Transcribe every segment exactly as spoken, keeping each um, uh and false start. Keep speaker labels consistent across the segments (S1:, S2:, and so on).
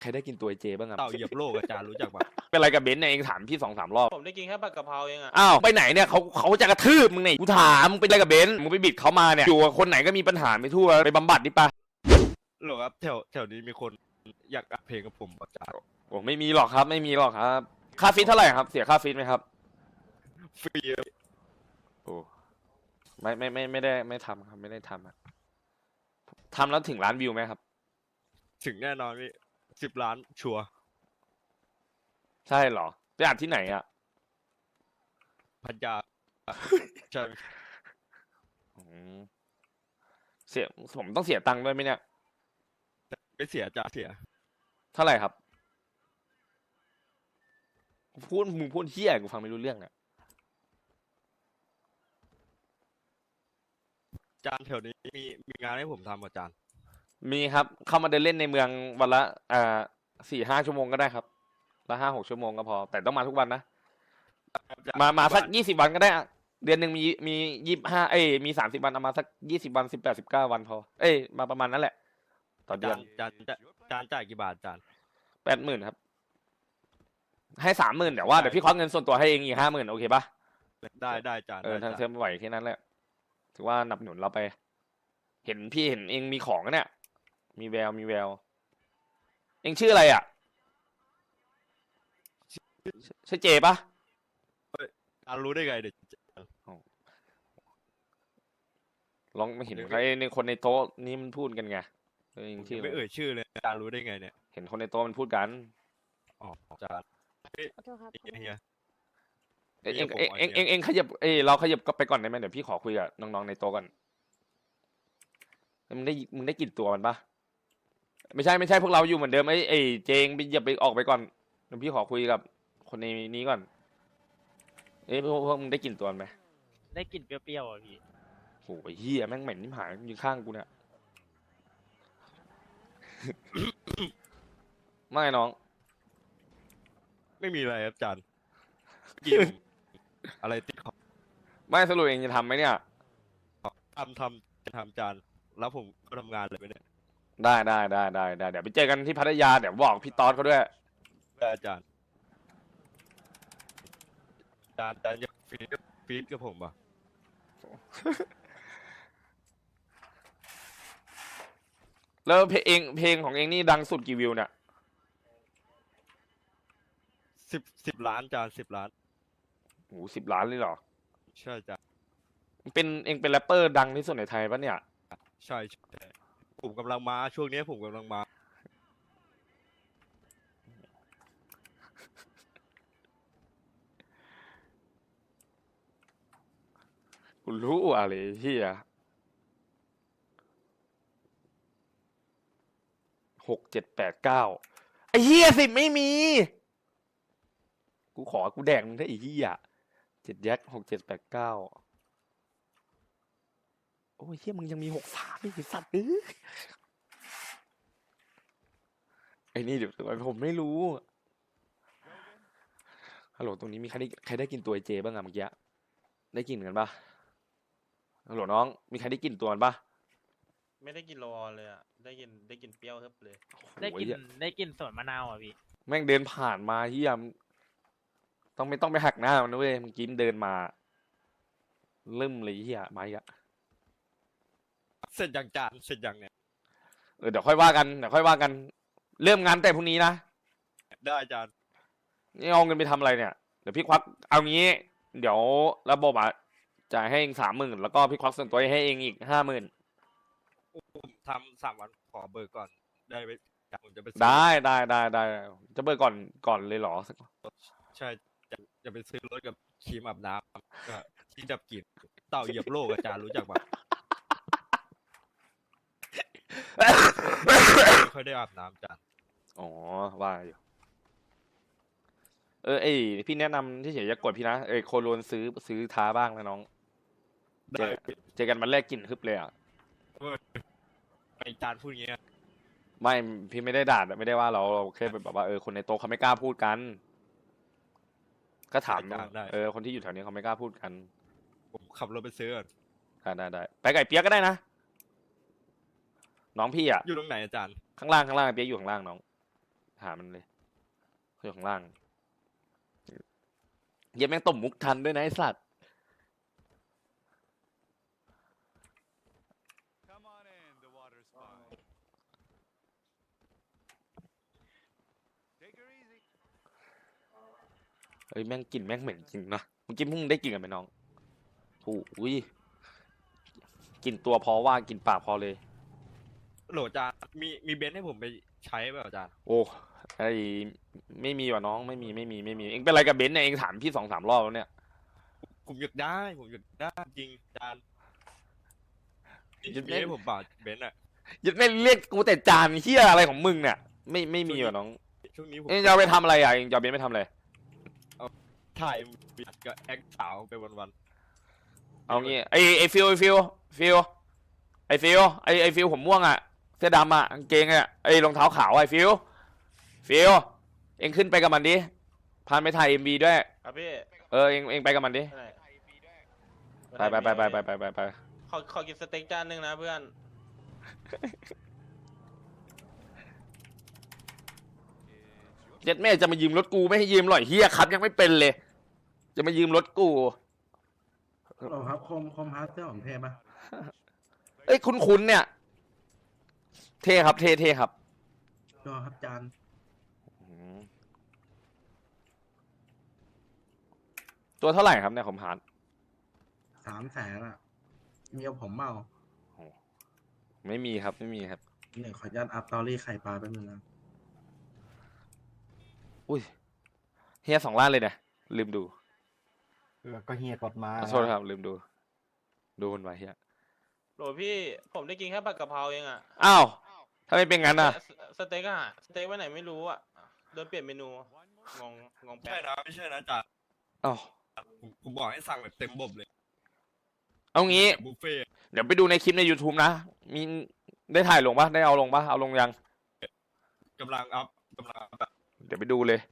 S1: ใครได้กินตัวไอเจบ้างครับ
S2: เต่าเหยียบโลกอาจารย์รู้จักปะ
S1: เป็นไรกับเบนซ์เนี่ยเองถามพี่สองสามรอบ
S3: ผมได้กินแค่ผัดกะเพราเองอะ
S1: อ้าวไปไหนเนี่ยเขาเขาจะกระทืบมึงเนี่ยกูถามมึงเป็นไรกับเบนซ์มึงไปบิดเขามาเนี่ยอยู่กับคนไหนก็มีปัญหาไปทั่วไปบำบัดดิปะ
S2: หรอครับแถวแถวนี้มีคนอยากอัดเพลงกับผมอาจารย์
S1: โอ้ไม่มีหรอกครับไม่มีหรอกครับค่าฟิตเท่าไหร่ครับเสียค่าฟิตไหมครับ
S2: ฟรี
S1: โอ้ไม่ไม่ไม่ไม่ได้ไม่ทำครับไม่ได้ทำอะทำแล้วถึงล้านวิวไหมครับ
S2: ถึงแน่นอนพี่สิบล้านชัวร์
S1: ใช่เหรอไปอัดที่ไหนอ่ะ
S2: พันยาใช่
S1: อืมเสียผมต้องเสียตังค์ด้วยไหมเนี่ย
S2: ไม่เสียอาจารย์เสีย
S1: เท่าไหร่ครับพูดมึงพูดเที่ยกูฟังไม่รู้เรื่องอ่ะ
S2: อาจารย์แถวนี้มีมีงานให้ผมทำอาจารย์
S1: มีครับเข้ามาเดินเล่นในเมืองวันละอ่าสี่ห้าชั่วโมงก็ได้ครับละห้าหกชั่วโมงก็พอแต่ต้องมาทุกวันนะมามาสักยี่สิบวันก็ได้อะเดือนหนึ่งมีมียี่ห้าเอ้ยมีสามสิบวันเอามาสักยี่สิบวันสิบแปดสิบเก้าวันพอเอ้ยมาประมาณนั้นแหละต่อ
S2: อา
S1: เดื
S2: จา
S1: อน
S2: รย์อาจารย์อาจารย์จ่ายกี่บาทอาจารย์
S1: แปดหมื่นครับให้สามหมื่นแต่ว่าเดี๋ยวพี่ควักเงินส่วนตัวให้เองอีกห้าหมื่นโอเคปะ
S2: ได้ได้อาจารย์
S1: เออ
S2: ได้
S1: ทาง
S2: อา
S1: เท
S2: จา
S1: อ
S2: รย์
S1: มไหวแค่นั้นแหละถือว่าหนับหนุนเราไป เห็นพี่เห็นเองมีของนะเนี่ย มีแววมีแวว เองชื่ออะไรอ่ะใช่เจปะ
S2: อาจารย์รู้ได้ไงเด็ก
S1: ลองไม่เห็นใครในคนในโต๊ะนี้มันพูดกันไงเออเองชื่อ
S2: ไม่เอ่ยชื่อเลยอาจารย์รู้ได้ไงเนี่ย
S1: เห็นคนในโต๊ะมันพูดกัน
S2: อ๋ออาจารย์
S4: ขอโทษครับ
S2: เฮีย
S1: เองเอง
S2: ผม
S1: เอง
S2: ขอ
S1: เอง
S2: เชี
S1: เอย ง
S2: ร์
S1: เองขยับเอยเราขยับก็ไปก่อนได้ไหมเดี๋ยวพี่ขอคุยกับน้องๆในโต๊ะก่อนมึงได้มึงได้กลิ่นตัวมันปะไม่ใช่ไม่ใช่พวกเราอยู่เหมือนเดิมไอ้ไอ้เจงไปอย่าไปออกไปก่อนเดี๋ยวพี่ขอคุยกับคนในนี้ก่อนเอ้ยพวกพวกมึงได้กลิ่นตัวมันไหม
S5: ได้กลิ่นเปรี้ยวๆอ่ะพี่
S1: โอ้ยเฮียแม่งเหม็นนิ่มหายอยู่ข้างกูเนี่ย ไม่น้อง
S2: ไม่มีอะไรครับอาจารย์กินอะไรติดคอ
S1: ไม่สรุปเองจะทำไหมเนี่ย
S2: ทำทำจะทำอาจารย์แล้วผมก็ทำงานเลยไปเนี่ย
S1: ได้ได้ได้ได้ได้เดี๋ยวไปเจอกันที่พัทยาเดี๋ยวบอกพี่ตอดเขาด้วย
S2: ได้อาจารย์อาจารย์อาจารย์อยากฟีดกับฟีดกับผมป่ะ
S1: แล้วเพลงเองเพลงของเองนี่ดังสุดกี่วิวเนี่ย
S2: สิบสิบล้านอาจารย์สิบล้าน
S1: โอ้สิบล้านเลยเหรอ
S2: ใช่อาจารย์
S1: เป็นเองเป็นแรปเปอร์ดังที่สุดในไทยปะเนี่ย
S2: ใช่ใช่ผมกำลังมาช่วงนี้ผมกำลังมา
S1: กูรู้อะไรเฮียหกเจ็ดแปดเก้าไอ้เฮียสิบไม่มี กูขอกูแดงมึงได้ไอ้เฮียเจ็ดแยกหกเจ็ดแปดเก้าโอ้ยเฮียมึงยังมีหกสามอีกไอ้สัตว์เอ้ยไอ้นี่เดี๋ยวผมไม่รู้ฮัลโหลตรงนี้มีใครได้ใครได้กินตัวไอเจบ้างอะเมื่อกี้ได้กินกันปะฮัลโหลน้องมีใครได้กินตัวมันปะ
S3: ไม่ได้กินโลออนเลยอะได้กินได้กินเปรี้ยวเฮิบเลย
S5: ได้กลิ่น
S1: โอ้ย
S5: ได้กลิ่นสวนมะนาวอ่ะพี่
S1: แม่งเดินผ่านมาเฮียมต้องไม่ต้องไปหักหน้ามันนะเว้ยเมื่อกี้มันเดินมาลืมเลยเฮียมาอีกอะ
S2: เสร็จยังจานเสร็จยังเนี่ย
S1: เออเดี๋ยวค่อยว่ากันเดี๋ยวค่อยว่ากัน เริ่มงานแต่พรุ่งนี้นะ
S2: ได้อาจารย์
S1: นี่เอาเงินไปทำอะไรเนี่ยเดี๋ยวพี่ควักเอางี้ เดี๋ยวระบบอ่ะจ่ายให้เองสามหมื่นแล้วก็พี่ควักส่วนตัวให้เองอีกห้าหมื่น
S2: ผมทำสามวันขอเบอร์ก่อนได้ไหมผมจะไปซื้อ
S1: ได้ได้ได้ได้จะเบิกก่อนก่อนเลยเหรอ
S2: ใช่จะจะไปซื้อรถกับครีมอาบน้ำก็ที่ดับกลิ่นเต่าเหยียบโลกอาจารย์รู้จักปะ ไม่ค่อยได้อาบน้ำอาจารย์
S1: อ๋อว่าอยู่เออเอ้ยพี่แนะนำที่เฉยจะกดพี่นะเอ้ยโคโลนซื้อซื้อท้าบ้างนะน้องเจ
S2: ได้
S1: อเจอกันมันแรกกลิ่นฮึบเลยอ่ะ
S2: อาจารย์พูดอย่างเงี้ย
S1: ไม่พี่ไม่ได้ด่าไม่ได้ว่าเราเราแค่แบบว่าเออคนในโต๊ะเขาไม่กล้าพูดกัน ก็ถาม
S2: ได้ได้
S1: เออคนที่อยู่แถวนี้เขาไม่กล้าพูดกัน
S2: ผมขับรถไปซื้อก่อน
S1: ได้ได้ได้ไปไก่เปียกก็ได้นะน้องพี่อ่ะ
S2: อยู่ตรงไหนอาจารย์
S1: ข้างล่างข้างล่างเปียกอยู่ข้างล่างน้องหามันเลยเขาอยู่ข้างล่างเย็บแม่งตบมุกทันด้วยนะไอ้สัตว์
S4: Come on in, the water's fine. Take her easy.
S1: เอ้ยแม่งกลิ่นแม่งเหม็นจริงนะเมื่อกี้มึงได้กลิ่นกันไหมน้องโอ้ยกลิ่นตัวพอว่ากลิ่นปากพอเลย
S2: โหลจานมีมีเบนซ์ให้ผมไปใช้เปล่าจาน
S1: โอ้ไอไม่มีว่ะน้องไม่มีไม่มีไม่มีเองเป็นอะไรกับเบนซ์เนี่ยเองถามพี่สองสามรอบแล้วเนี่ย
S2: ผมอยากได้ผมอยากได้จริงจาน
S1: หยุด
S2: มี
S1: เล่น
S2: ให้ผมเปล่าเบนซ์อะ
S1: ยึดไม่เรียกกูแต่จานเฮียอะไรของมึงเนี่ยไม่ไม่มีว่ะน้อง
S2: ช่วงนี้ผม
S1: เองจะเอาไปทำอะไรอ่ะเองจะเอาเบนซ์ไปทำอะไร
S2: ถ่ายวิดกับแอคสาวไปวันๆ
S1: เอางี้ไอไอฟิลไอฟิลฟิลไอฟิลไอไอฟิลผมม่วงอ่ะเสื้อดำอ่ะกางเกงอ่ะไอรองเท้าขาวไอฟิลฟิลเองขึ้นไปกับมันดิพานไปถ่ายเอ็มวีด้วย
S3: ครับพี่
S1: เออเองเองไปกับมันดิ
S3: ไปไหน
S1: ไปไปไปไปไปไปไป
S3: ขอขอกินสเต็กจานหนึ่งนะเพื่อน
S1: เจ็ดแม่จะมายืมรถกูไม่ให้ยืมหรอยเฮียครับยังไม่เป็นเลย จะมายืมรถกู
S6: ฮัลโหลครับคมคมฮาร์ดเสื้อของเทปะ
S1: เอ้ยคุ้นๆเนี่ย เท่ครับเท่เท่ครับ
S6: จอครับจาน
S1: อืมตัวเท่าไหร่ครับเนี่ยผมหา
S6: สามแสนอะเมียผมเมา
S1: ไม่มีครับไม่มีครับ
S6: หนึ่งขออนุญาตอัพตอรี่ไข่ปลาแป๊บนึงนะ
S1: อุ้ยเฮียสองล้านเลยนะลืมดู
S7: แล้วก็เฮียกดมา
S1: ขอโทษครับลืมดู ดูคนไว้เฮีย
S3: โหลพี่ผมได้กินแค่ผัดกะเพราเองอะ
S1: อ้าวถ้าไม่เป็นงั้นน่ะ
S3: สสเต็กอะสเต็กไว้ไหนไม่รู้อะโดนเปลี่ยนเมนูงงงงแป๊
S2: ใช่
S3: บ
S2: นะไม่ใช่นะจาน
S1: อ้าว
S2: ผมผมบอกให้สั่งแบบเต็มบบเลย
S1: เอางี้
S2: แบบบุฟเฟ่ต์
S1: เดี๋ยวไปดูในคลิปใน YouTube นะ มีได้ถ่ายลงปะได้เอาลงปะเอาลงยัง
S2: กำลังอัพกำลังอัพแบบ
S1: เดี๋ยวไปดูเลย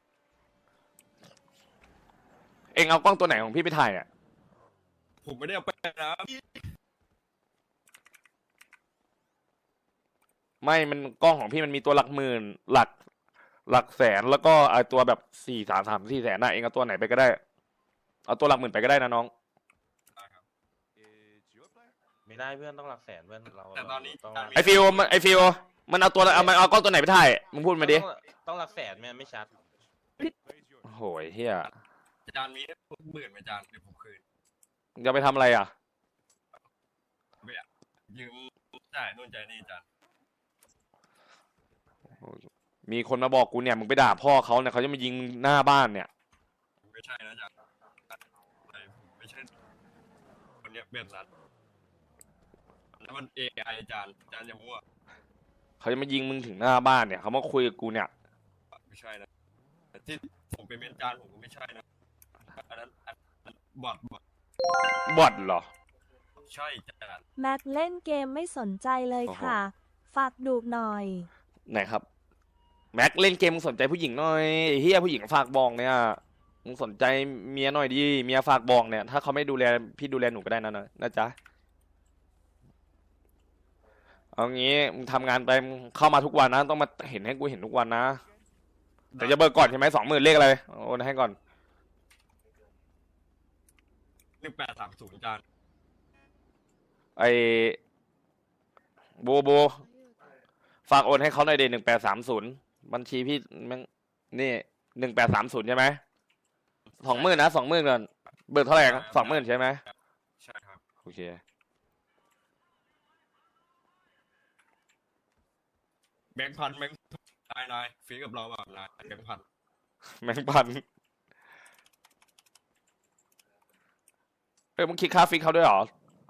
S1: เองเอากล้องตัวไหนของพี่ไปถ่ายอ่ะ
S2: ผมไม่ได้เอาไปนะ
S1: ไม่ มันกล้องของพี่มันมีตัวหลักหมื่น หลัก หลักแสน แล้วก็ไอตัวแบบสี่สามสามสี่แสนน่ะ เองเอาตัวไหนไปก็ได้ เอาตัวหลักหมื่นไปก็ได้นะน้อง
S4: It's your player.
S3: ไม่ได้เพื่อนต้องหลักแสนเพื่อนเรา
S2: แต่ตอนนี้
S3: ต้อง
S2: จานมี
S1: ไอฟิวมันไอฟิวมันเอาตัวเอามันเอากล้องตัวไหนไปถ่าย มึงพูดมาดิ
S3: ต้องต้องหลักแสนไม่ไม่ชัด
S4: Plays yours.
S1: โหยเฮีย
S2: จานมีให้ผมหมื่นไหมจานเดี๋ยวผมคืน
S1: จะไปทำอะไรอ่ะ
S2: ยืมจ่ายนู่นจ่ายนี่จาน
S1: มีคนมาบอกกูเนี่ย มึงไปด่าพ่อเขาเนี่ยเขาจะมายิงมึงหน้าบ้านเนี่ย
S2: ไม่ใช่นะจานอะไรผมไม่ใช่คนเนี้ยแบบนั้นแล้วมันเอไอจานจานอย่ามั่ว
S1: เขาจะมายิงมึงถึงหน้าบ้านเนี่ยเขามาคุยกับกูเนี่ย
S2: ไม่ใช่นะแต่ที่ผมเป็นเมนจานผมก็ไม่ใช่นะอันนั้นอันนั้นบอดบอด
S1: บอทเหรอ
S2: ใช่จาน
S8: แม็กเล่นเกมไม่สนใจเลยค่ะ ฝากดูหน่อย
S1: ไหนครับ แม็กเล่นเกมมึงสนใจผู้หญิงหน่อยไอ้เฮียผู้หญิงฝากบอกเนี่ยมึงสนใจเมียหน่อยดิเมียฝากบอกเนี่ย ถ้าเขาไม่ดูแลพี่ดูแลหนูก็ได้นะนะนะจ๊ะเอางี้มึงทำงานไปมึงเข้ามาทุกวันนะ ต้องมาเห็นให้กูเห็นทุกวันนะแต่จะเบิกก่อนใช่ไหมสองหมื่นเลขอะไรโอนให้ก่อน
S2: หนึ่งแปดสามศูนย์จาน
S1: ไอโบโบฝากโอนให้เขาหน่อยเดหนึ่งแปดสามศูนย์บัญชีพี่มันนี่หนึ่งแปดสามศูนย์ใช่ไหมสองหมื่นนะสองหมื่นก่อนเบิกเท่าไหร่สองหมื่นใช่ไหม
S2: ใช่ครับ
S1: โอเค
S2: แบงค์พันแบงค์นายนายฟีกับเราแบบนายแบงค์พัน
S1: แมงพันเออมึงคิดค่าฟิกเขาด้วยเหรอ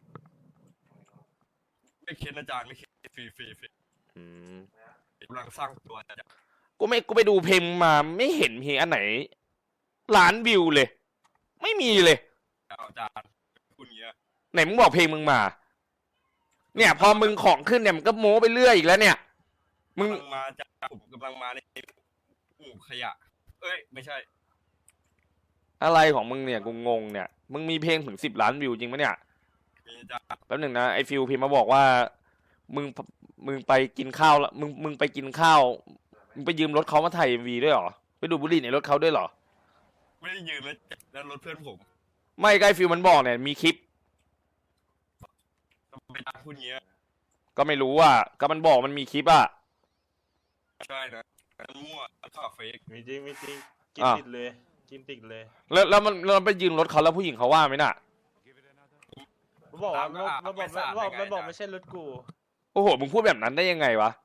S2: ไม่คิดนะจานไม่คิดฟรีฟรีฟรี
S1: อืม
S2: กำลังสร้างตัวจาน
S1: กูไม่กูไปดูเพลงมาไม่เห็นเพลงอันไหนล้านวิวเลย ไม่มีเลย
S2: เอาจานคุณเงี้ย
S1: ไหนมึงบอกเพลงมึงมา เนี่ย พอมึงของขึ้นเนี่ยมันก็โม้ไปเรื่อยอีกแล้วเนี่ย มึง
S2: กำลังมาจานผมกำลังมาในหมู่ขยะ เอ้ยไม่ใช่
S1: อะไรของมึงเนี่ยกูงงเนี่ย มึงมีเพลงถึงสิบล้านวิวจริงปะเนี่ย
S2: มีจาน
S1: แป๊บหนึ่งนะไอฟิวพิมพ์มาบอกว่า มึงมึงไปกินข้าวแล้วมึงมึงไปกินข้าวมึงไปยืมรถเขามาถ่ายเอ็มวีด้วยเหรอไปดูดบุหรี่ในรถเขาด้วยเหรอ
S2: ไม่ได้ยืมแล้วแล้วรถเพื่อนผม
S1: ไม่ใกล้ฟิลมันบอกเนี่ยมีคลิป
S2: ทำไมตาพูดเงี้ย
S1: ก็ไม่รู้อ่ะก็มันบอกมันมีคลิปอ่ะ
S2: ใช่นะมั่วข่าวเฟก
S3: มีจริงมีจริงกิน
S1: อ่ะ
S3: ติดเลยกินติดเลย
S1: แล้วแล้วมันแล้วมันไปยืมรถเขาแล้วผู้หญิงเขาว่าไหมน่ะ
S4: Give it another.
S3: มันบอกว่ามันบอกมันบอกมันบอกไม่ใช่รถกู
S1: โอ้โหมึงพูดแบบนั้นได้ยังไงวะ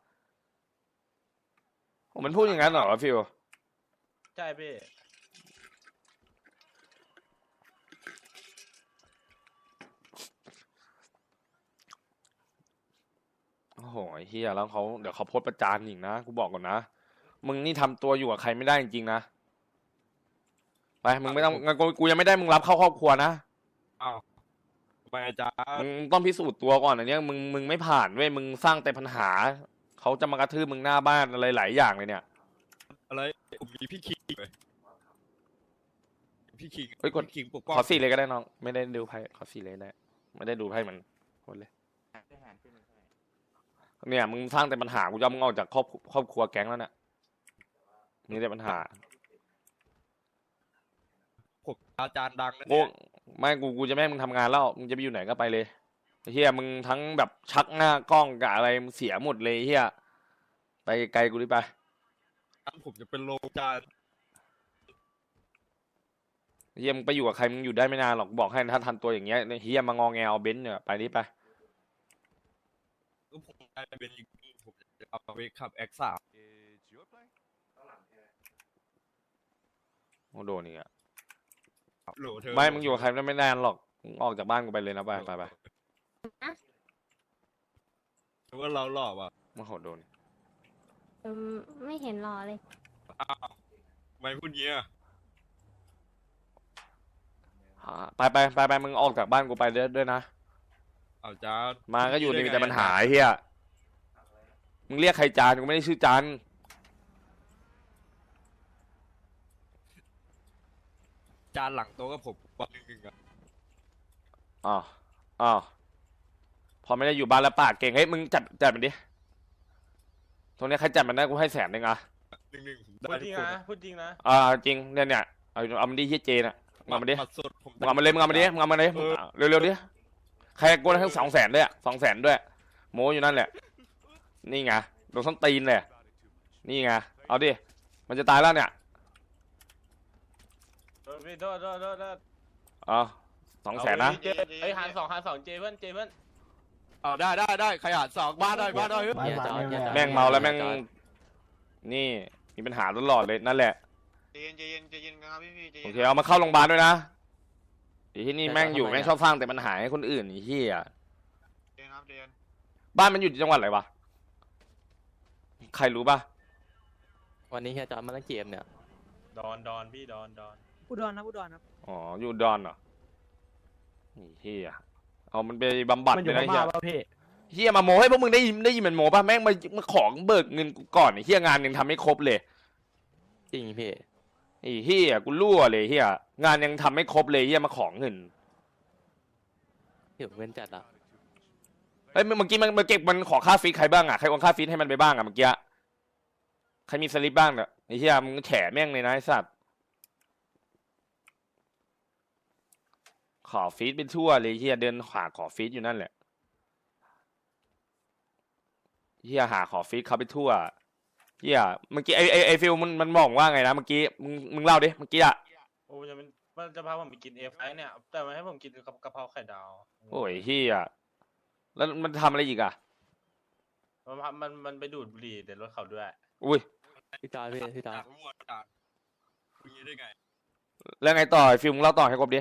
S1: โอ้มันพูดอย่างนั้นเหรอฟิล
S3: ใช่พี่
S1: โอ้โหไอ้เฮียแล้วเขาเดี๋ยวเขาโพสต์ประจานอีกนะกูบอกก่อนนะมึงนี่ทำตัวอยู่กับใครไม่ได้จริงๆนะไปมึงไม่ต้องงั้นกูกูยังไม่ได้มึงรับเข้าครอบครัวนะ
S2: อ้าวทำไมอาจารย์
S1: มึงต้องพิสูจน์ตัวก่อนอันเนี้ยมึงมึงไม่ผ่านเว้ยมึงสร้างแต่ปัญหาเขาจะมากระทืบมึงหน้าบ้านอะไรหลายอย่างเลยเนี่ย
S2: อะไรผมมีพี่คิงเลยพี่คิง
S1: เฮ้ยกด
S2: พี่คิงปกป้อง
S1: ขอสี่เลยก็ได้น้องไม่ได้ดูไพ่ขอสี่เลยได้ไม่ได้ดูไพ่มันหมดเลยเนี่ยมึงสร้างแต่ปัญหากูจะเอามึงออกจากครอบครอบครัวแก๊งแล้วเนี่ยมีแต่ปัญหา
S2: ผมอาจารย์ดังนะ
S1: กู
S2: เนี่ย
S1: ไม่กูกูจะไม่ให้มึงทำงานแล้วมึงจะไปอยู่ไหนก็ไปเลยไอ้เฮียมึงทั้งแบบชักหน้ากล้องกับอะไรมึงเสียหมดเลยไอ้เฮียไปไกลกูดิไป
S2: ผมจะเป็นโลอาจารย์
S1: ไอ้เฮียมึงไปอยู่กับใครมึงอยู่ได้ไม่นานหรอกบอกให้ถ้าทันตัวอย่างเงี้ยเฮียมางอแงเอาเบนซ์เนี่ยไปดิไป
S2: ก็ผมได้เป็นอีกผมจะเอาไปขับแอคสาม
S4: It's your play.
S1: โอ้โดนนี่อ่ะ
S2: โหลเธอ
S1: ไม่มึงอยู่กับใครได้ไม่นานหรอกมึงออกจากบ้านกูไปเลยนะไปไปไป
S2: หรือว่าเราหลอกอ่ะ
S1: โอ้โหโดน
S9: เอมไม่เห็นรอเลย
S2: อ้าวไม่พูดเงี้ย
S1: หาไปไปไปไปมึงออกจากบ้านกูไปด้วยด้วยนะ
S2: เอาอาจารย์
S1: มาก็อยู่ในมีแต่ปัญหาไอ้เฮียมึงเรียกใครจานกูไม่ได้ชื่อจาน
S2: อาจารย์หลังโต๊ะกับผมวันหนึ่งหนึ่งอ่ะ
S1: อ๋ออ๋อพอไม่ได้อยู่บ้านแล้วปากเก่งเฮ้ยมึงจัดจัดมันดิตรงเนี้ยใครจัดมันได้กูให้แสนหนึ่งอ่ะ
S2: หนึ่งหนึ่งผม
S3: พู
S2: ได้
S3: ดจ
S2: ทุ
S3: ริ
S2: ก
S3: ง
S2: คน
S3: นะพูดจริงนะ
S1: อ่าจริงเนี่ยเนี่ยเอาเอามันดิเฮียเจน่ะมึงเอามันดิ
S2: บัตรสดผม
S1: มึงเอามันเลยมึงเอามันดิมึงเอามันดิ
S2: เออ
S1: เร็วๆดิใครกดทั้งสองแสนด้วยอะสองแสนด้วยโมอยู่นั่นแหละนี่ไงโดนส้นตีนเลย
S4: About it too much.
S1: นี่ไงเอาดิมันจะตายแล้วเนี่ย
S3: โทษพี่โทษโทษโทษโทษ
S1: อ๋อสองแสนนะ
S3: เาไปดิเจไอ้ยหารสองหารสองเจเพื่อนเจเพื่อน
S2: เอาได้ได้ได้ใครหารสองบ้านได้บ้านได้เฮ้ย
S7: บ้านบ้านเนี่ย
S1: แม่งเมาแล้วแม่งนี่มีปัญหาตลอดเลยนั่นแหละ
S10: ใจเย็นใจเย็นใจเย็นครับพี่พี่ใจ
S1: โอ
S10: เย็น
S1: เคเอามาเข้าโรงพยาบาลด้วยนะไอ้ที่นี่แม่งอยู่แม่งชอบสร้างแต่ปัญหาให้คนอื่นไอ้เหี้ย
S10: ใจเย็นครับใจเย็น
S1: บ้านมันอยู่จังหวัดอะไรวะใครรู้ป่ะ
S11: วันนี้เฮียจอดมาเล่นเกมเนี่ย
S3: ดอนดอนพี่ดอนดอน
S12: อุดรนะอุดรครับ
S1: อ๋ออยู่ดอนเหรอไอ้เหี้ยเอามันไปบำบัด
S5: มันอ
S1: เล
S5: ยู่
S1: ย
S5: พ
S1: นะเหี้
S5: ม่าย ป่ะพี่
S1: เหี้ยมาโมให้พวกมึงได้ยินได้ยินมันโมป่ะแม่งมามาของเบิกเงินกูก่อนไอ้เหี้ยงานยังทำไม่ครบเลย
S11: จริงพี่
S1: ไอ้เหี้ยกูรั่วเลยเหี้ยงานยังทำไม่ครบเลยเหี้ยมาของเงิน
S11: ที่ผมเว้นจัดอ่ะ
S1: เฮ้ยเมื่อกี้มันมาเก็บมันขอค่าฟีดใครบ้างอ่ะใครโอนค่าฟีดให้มันไปบ้างอ่ะเมื่อกี้ใครมีสลิปบ้างเนี่ยไอ้เหี้ยมึงแฉแม่งเลยนะไอ้สัตว์ขอฟีดไปทั่วเลยเหี้ยเดินหาขอฟีดอยู่นั่นแหละเหี้ยหาขอฟีดเขาไปทั่วเหี้ยเมื่อกี้ไอไอไอฟิลมันมันบอกว่าไงนะเมื่อกี้มึงมึงเล่าดิเมื่อกี้อ่ะ
S3: โอ้ยจะเป็นมันจะพาผมไปกินเอฟไอเนี่ย แต่มันให้ผมกินกับกะเพราไข่ดาว
S1: โอ้ยเหี้ยแล้วมันทำอะไรอีกอ่ะ
S3: มันพามันมันไปดูดบุหรี่แต่รถเขาด้วย
S1: อุ้ย
S11: พี่จอยพี่พี่จอย
S2: จากมั่วอาจารย์พูดงี้ได้ไง
S1: แล้วไงต่อไอ้ฟิลมึงเล่าต่อให้ครบดิ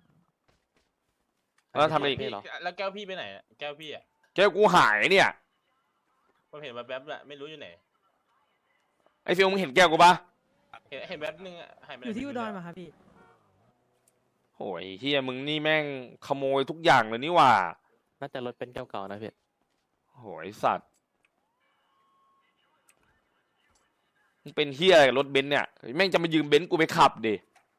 S1: แล้วทำอะไรอีก
S11: พี่เหรอ
S3: แล้วแก้วพี่ไปไหนอะแก้วพี่อ่ะ
S1: แก้วกูหายเนี่ย
S3: ผมเห็นมาแป๊บๆละไม่รู้อยู่ไหน
S1: ไอ้ฟิลมึงเห็นแก้วกูปะ
S3: เห็นเห็นแป๊บนึงอะหายไปไหน
S12: อยู่ที่อุดร
S3: ไม่
S12: มาครับพี่
S1: โอ้ยเฮียมึงนี่แม่งขโมยทุกอย่างเลยนี่หว่า
S11: น่าจะรถเป็นเก่าๆนะพี่
S1: โอ้ยสัตว์มึงเป็นเฮียอะไรกับรถเบนซ์เนี่ยแม่งจะมายืมเบนซ์กูไปขับดิ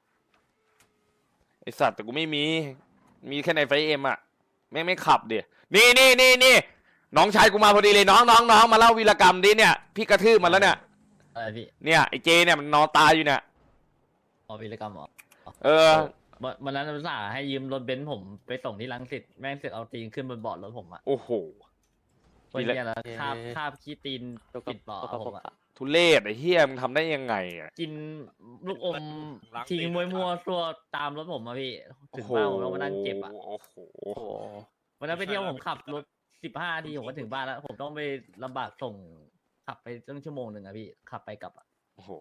S1: ไอสัตว์แต่กูไม่มี มีแค่ในไฟเอ็มอะแม่งไม่ขับดินี่นี่นี่นี่น้องชายกูมาพอดีเลยน้องน้องน้องมาเล่าวีรกรรมดิเนี่ยพี่กระทืบมันแล้วเนี่ย
S12: อะไรพี่
S1: เนี่ยไอเจเนี่ยมันนอนตายอยู่เนี่ย
S12: อ๋อวิรกรรมเหรอ
S1: เออ
S12: วันวันนั้นอุตส่าห์ให้ยืมรถเบนซ์ผมไปส่งที่รังสิตแม่งเสือกเอาตีนขึ้นบนเบาะรถผมอะ
S1: โอ้โห
S12: คนเนี้ยแล้ว
S11: เอ๊ะ
S12: คาบคาบขี้ตีน
S11: ตัว
S12: ปิดเบาะผมอะ
S1: ทุเรศไอ้เฮียมึงทำได้ยังไงอ่ะ
S12: กินลูกอมทิ้งมวยมัวๆตัวตามรถผมอะพี่ถึงบ้านผมแล้วมานั่งเจ็บอะ
S1: โอ้โห
S11: โอ้โห
S12: วันนั้นไปเที่ยวผมขับรถสิบห้านาทีผมก็ถึงบ้านแล้ว ผมต้องไปลำบากส่งขับไปตั้งชั่วโมงหนึ่งอะพี่ขับไปกลับอะ
S1: โอ้โห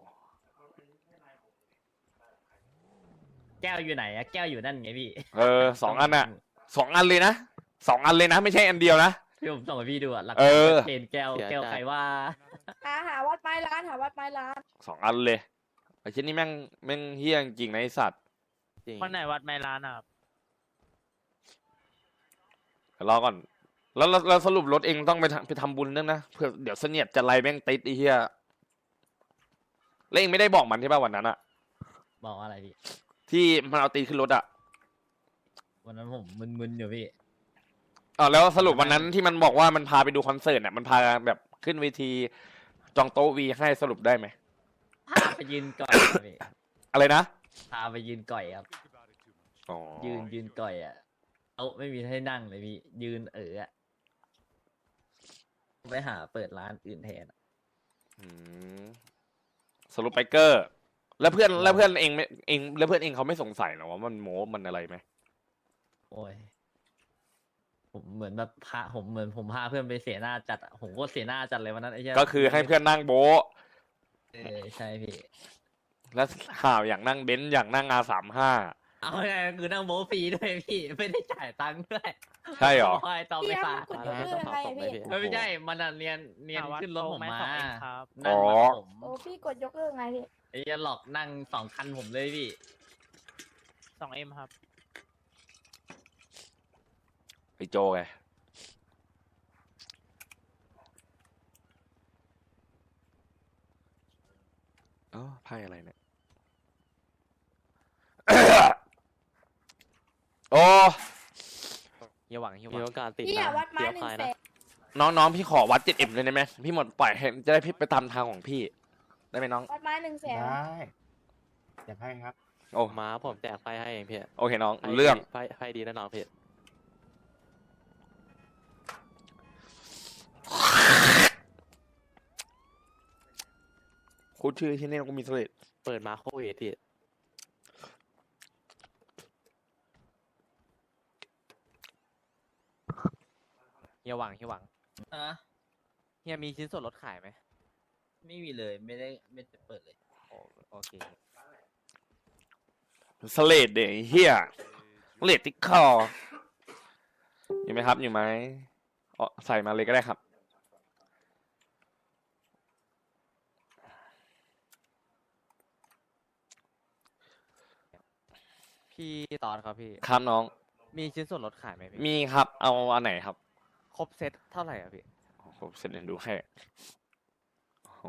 S12: แก้วอยู่ไหนอะแก้วอยู่นั่นไงพี่
S1: เออสองอันอ่ะสองอันเลยนะสองอันเลยนะ ไม่ใช่อันเดียวนะ
S12: ที่ผมส่งให้พี่ดูอะหลัก
S1: เออ
S12: เทนแก้วแก้วใครว่า
S9: หาหาวัดไม้ร้านหาวัดไม้ร้าน
S1: สองอันเลยไอ้ชิ้นนี้แม่งแม่งเฮี้ยจริงๆนะไอสัตว์
S11: จริง
S5: วันไหนวัดไมร้านอะครับ
S1: เดี๋ยวรอก่อน แล้วแล้วแล้วสรุปรถเองต้องไปทำไปทำบุญด้วยนะเผื่อเดี๋ยวเสนียดจะไล่แม่งติดไอ้เฮี้ยแล้วเองไม่ได้บอกมันใช่ป่ะวันนั้นอะ
S12: บอกว่าอะไรพี่
S1: ที่มันเอาตีนขึ้นรถอะ
S12: วันนั้นผมมึนๆอยู่พี่
S1: อ๋อแล้วสรุปวันนั้นที่มันบอกว่ามันพาไปดูคอนเสิร์ตเนี่ยมันพาแบบขึ้นเวทีจองโต๊ะวีให้สรุปได้ไหม
S12: พาไปยืนก่อยครับพี่
S1: อะไรนะ
S12: พาไปยืนก่อยครับ
S1: อ๋อ
S12: ยืนยืนก่อยอ่ะเอาไม่มีให้นั่งเลยพี่ ยืนเอออะไปหาเปิดร้านอื่นแทนอะ
S1: อืมสรุปไปเกอร์ แล้วเพื่อนแล้วเพื่อนเองไม่เองแล้วเพื่อนเองเขาไม่สงสัยเหรอว่ามันโม้มันอะไรไหม
S12: โอ้ย ผมเหมือนแบบพาผมเหมือนผมพาเพื่อนไปเสียหน้าจัดอะผมก็เสียหน้าจัดเลยวันนั้นไอ้เหี้ย
S1: ก็คือให้เพื่อนนั่งโบ๊ะ
S12: เออใช่พี่
S1: แล้วข่าวอย่างนั่งเบนซ์อย่างนั่งอาสามห้า
S12: เอาไงคือนั่งโบะฟรีด้วยพี่ ไม่ได้จ่ายตังค์ด้วย
S1: ใช่เหรอ
S12: คอยต่อไปฝาก
S9: กด
S11: มาย
S9: ก
S11: แล้ว
S9: เลิ
S11: ไม่
S9: ก
S11: ต้อง
S9: ยังไงอะพี่
S11: เผาศพเลยพี่
S12: ไม่ใช่มันอะเรียนเรียน
S5: หาวัด
S12: ขึ้นรถผม
S5: โตไห
S12: มา
S5: สองเอ็มครับ
S12: นั่งรถผม
S9: โอ้พี่กดยกเลิกไงพี่
S12: ไอ้เหี้ยหลอกนั่งสองคันผมเลยพี่
S5: สองเอ็มครับ
S1: ไอโจไงอ๋อไพ่อะไรเนี่ย โอ้
S11: อย่าหวังอย่าหวังมีโอกาสติด
S9: พี่
S11: นะ
S9: อะวัดไม้
S11: เดี๋ยว
S9: หนึ่ง
S11: พาย
S9: แส
S11: นะ
S9: น
S1: น้องๆพี่ขอวัดเจ็ดเอ็มเลยได้ไหมพี่หมดปล่อยให้จะได้พี่ไปตามทางของพี่ ได้ไหมน้อง
S9: วัดไม้หนึ่งแสน
S7: ได้อยากให้ครับ
S1: โอ้
S11: ม้าผมแจกไฟให้เองพี่
S1: โอเคน้อง
S11: ไพ่
S1: เรื่อง
S11: ไฟไฟดีแน่นอนพี่
S1: พูดชื่อที่นี่กูมีสเลด
S11: เปิดมาโควิดพี่
S5: เฮียหวังเฮียหวัง
S12: อ่ะ
S5: เฮียมีชิ้นส่วนลดขายไหม
S12: ไม่มีเลยไม่ได้ไม่ได้เปิดเลย
S5: โอเค
S1: สเลดเดี๋ยวไอ้เฮียสเลดติ๊กคออยู่ไหมครับอยู่ไหมอ๋อใส่มาเลยก็ได้ครับ
S5: พี่ตอนครับพี่
S1: ครับน้อง
S5: มีชิ้นส่วนลดขายไหมพี่
S1: มีครับ เอาอันไหนครับ
S5: ครบเซตเท่าไหร่อ่ะพี่
S1: ผมเสร็จเดี๋ยวดูให้โอ้โห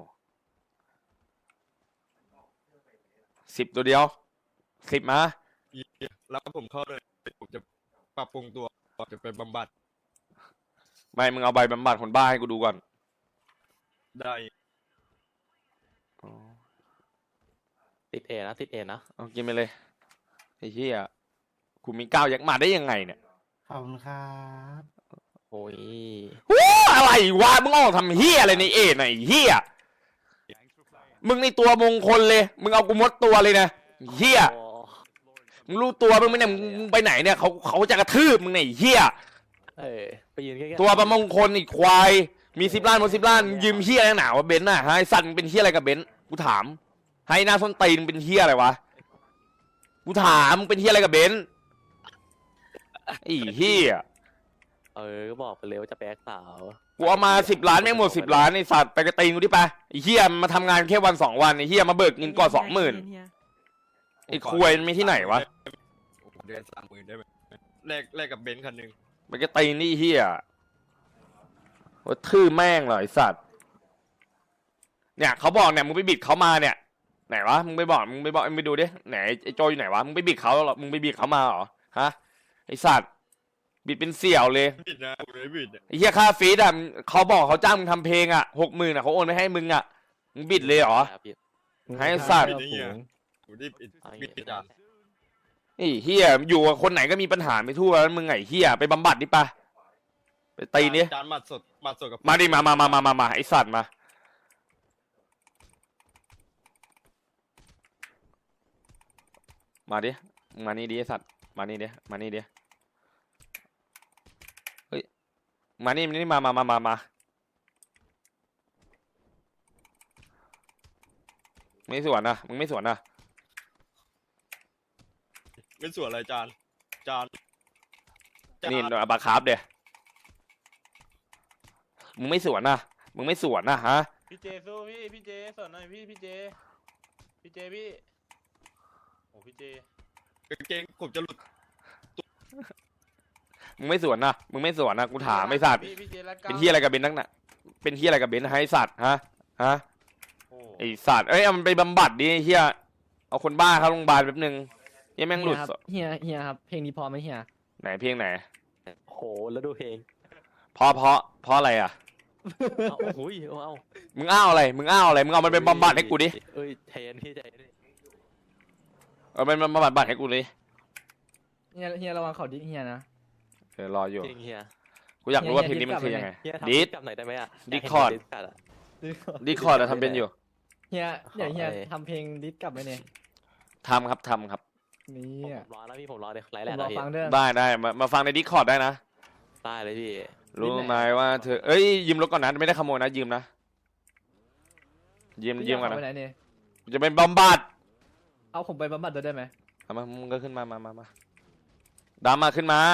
S1: สิบตัวเดียวสิบมา
S2: แล้วผมเข้าเลยผมจะปรับปรุงตัวจะไปบำบัด
S1: ไม่มึงเอาใบบำบัดคนบ้าให้กูดูก่อน
S2: ได้
S1: อ๋อ
S11: ติดเอนะติดเอนะ
S1: เอากินไปเลยไอ้เหี้ยกูมีก้าวยักษ์มาได้ยังไงเนี่ย
S7: ขอบคุณครับ
S11: โอ้ย
S1: ว้าอะไรวะมึงออกทำเหี้ยอะไรในเอ็ดน่ะไอ้เหี้ย
S4: Thanks for playing.
S1: มึงในตัวมงคลเลย มึงเอากูมดตัวเลยนะเหี้ย
S11: โอ้
S1: มึงรู้ตัวมึงไหมเนี่ยมึงมึงไปไหนเนี่ยเขาเขาจะกระทืบมึงเนี่ยไอ้เหี้ย
S11: เออไปยืนใกล้ๆ
S1: ตัวประมงคลอีกควายมีสิบล้านหมดสิบล้านยืมเหี้ยอะไรหนาวะเบนซ์น่ะฮะไอ้สัตว์มึงเป็นเหี้ยอะไรกับเบนซ์กูถามให้หน้าส้นตีนมึงเป็นเหี้ยอะไรวะกูถามมึงเป็นเหี้ยอะไรกับเบนซ์ไอ้เหี้ย
S11: เออก็บอกไปเลยว่าจะไปแอคสาว
S1: กูเอามาสิบล้านไม่งหมดสิบล้านไอ้สัตว์ไปกระตีนกูดิไปไอ้เหี้ยมาทำงานแค่วันสองวันไอ้เหี้ยมาเบิกเงินก่อนสองหมื่นไอ้ควยมันไม่ที่ไหนวะ
S2: เดือนสามหมื่นได้ไหมแลกแลกกับเบนซ์คันหนึ่ง
S1: ไปกระตีนนี่ไอ้เหี้ยว่าทื่อแม่งเหรอไอ้สัตว์เนี่ยเขาบอกเนี่ยมึงไปบิดเขามาเนี่ยไหนวะมึงไปบอกมึงไปบอกมึงไปดูดิไหนไอ้โจอยู่ไหนวะมึงไปบิดเขาเหรอมึงไปบิดเขามาเหรอฮะไอ้สัตว์บิดเป็นเสี่ยวเลย
S2: บิดนะผมไม่บิดอะ
S1: ไอ้เหี้ยค่าฟีดอ่ะเขาบอกเขาจ้างมึงทำเพลงอ่ะหกหมื่นอ่ะเขาโอนไปให้มึงอ่ะมึงบิดเลยเหรอ
S11: ครับพี่
S1: ให้สัตว์
S2: บิดไอ้เหี้ยผมรีบบิดบิดอาจารย์
S1: ไอ้เฮียอยู่กับคนไหนก็มีปัญหาไปทั่วแล้วมึงไอ้เฮียไปบำบัดดิปะไปตีนี่
S2: อาจารย์หมัดสดหมัดสดกับ
S1: มาดิมามามามามามาไอสัตว์มามาดิมานี่ดิไอสัตว์มานี่ดิมานี่ดิเฮ้ยมานี่มานี่มามามามามาไม่สวนนะมึงไม่สวนนะ
S2: ไม่สวนอะไรอาจารย์อาจารย์อาจารย์
S1: นี่เอาบาคาร์ฟเดี๋ยมึงไม่สวนนะมึงไม่สวนนะฮะ
S3: พี่เจสู้พี่พี่เจสอนหน่อยพี่พี่เจพี่เจพี่โอ้พี่เจ
S2: กางเกงผมจะหลุด
S1: มึงไม่สวนนะมึงไม่สวนนะกูถามไม่สัตว์
S3: พี่พี่เจรัก
S1: เป็นที่อะไรกับเบนนักหนะเป็นที่อะไรกับเบนให้สัตว์ฮะฮะ
S3: โอ้
S1: ไอสัตว์เอ้ยเอามันไปบำบัดดิไอ้เฮียเอาคนบ้าเข้าโรงพยาบาลแป๊บนึงเหี้ยังแม่งหลุด
S5: เฮียเฮียครับเพลงนี้พอไหมเฮีย
S1: ไหนเพลงไหน
S11: โหแล้วดูเพลง
S1: เพราะเพราะเพราะอะไรอ่ะ
S11: เอาโอ้ยเอาเอา
S1: มึงอ้าวอะไรมึงอ้าวอะไรมึงเอามันไปบำบัดให้กูดิ
S11: เอ้ยเทนพี่ใจเย็น
S1: เอามันบำบัดให้กูดิ
S5: เฮียเฮียระวังเขาดิเฮียนะ
S1: เดี๋ยวรออยู่
S11: จริงเฮีย
S1: กูอยากรู้ว่าเพ
S5: เฮี
S1: ลง
S5: ย
S1: นี้มันคือยังไง
S11: เฮียทำ
S1: ดิส
S11: กลับหน่อยได้ไหมอ่ะ
S1: ดิสคอร์ด
S11: ยากเห็นดิสคอร์ดอะ
S1: ดิคอร์ดอะทำเป็นอยู่
S5: เฮียเดี๋ยวเฮีย
S11: เอาไป
S5: ทำเพลงดิสกลับไหมเนี่ย
S1: ทำครับทำครับ
S5: นี่
S11: ผมรอแล้วพี่ผมรอเลยไล
S5: ผ
S11: ฟ์แหละ
S5: มรอ
S11: พี่
S5: ฟังเด้อ
S1: ได้ได้มามาฟังในดิคอร์ดได้นะ
S11: ได้เลยพี่
S1: รู้ไหมว่าเธอเอ้ยยืมรถก่อนนะไม่ได้ขโมยนะยืมนะยืม
S5: พี่
S1: ยืมก่อน
S5: เา
S1: นะ
S5: ไปไหนเนี่ย
S1: จะเป็นบำบัด
S5: เอาผมไปบำบัดด้วยได้ไหม
S1: เอามามึงก็ขึ้นมามามามาดามาขึ้นมา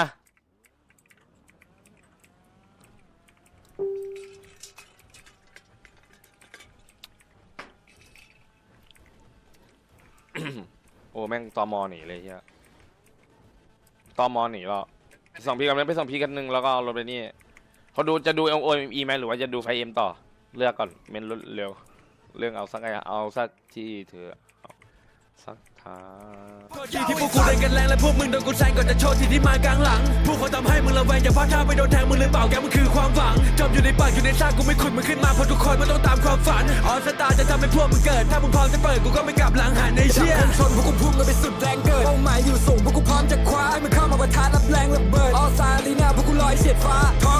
S1: โอ้แม่งตอมอหนีเลยเฮียตอมอหนีแล้วไปส่งพี่กันไหมไปส่งพี่กันหนึ่งแล้วก็เอารถไปนี่เขาดูจะดูเอ็มโอเอ็มอีไหมหรือว่าจะดูไฟเอ็มต่อเลือกก่อนเมนรถเร็ว เรื่องเอาสักไงเอาสักที่เธอเอาสักทาง
S13: ที่พวกกูเล่นกันแรงและพวกมึงโดนกูแซงก่อนจะโชว์ที่ที่มากลางหลังพวกเขาทำให้มึงระแวงอย่าพลาดท่าไปโดนแทงมึงหรือเปล่าแกมึงคือความหวังจมอยู่ในปากอยู่ในซากกูไม่ขุดมึงขึ้นมาเพราะทุกคนมันต้องตามความฝันออสตาจะทำให้พวกมึงเกิดถ้ามึงพร้อมจะเปิดกูก็ไม่กลับหลังหันในเชี่ยชนพวกกูพุ่งกันไปสุดแรงเกิดเป้าหมายอยู่สูงพวกกูพร้อมจะคว้าให้มึงเข้ามาประทะรับแรงระเบิดออสตาลีนาพวกกูลอยเฉียดฟ้า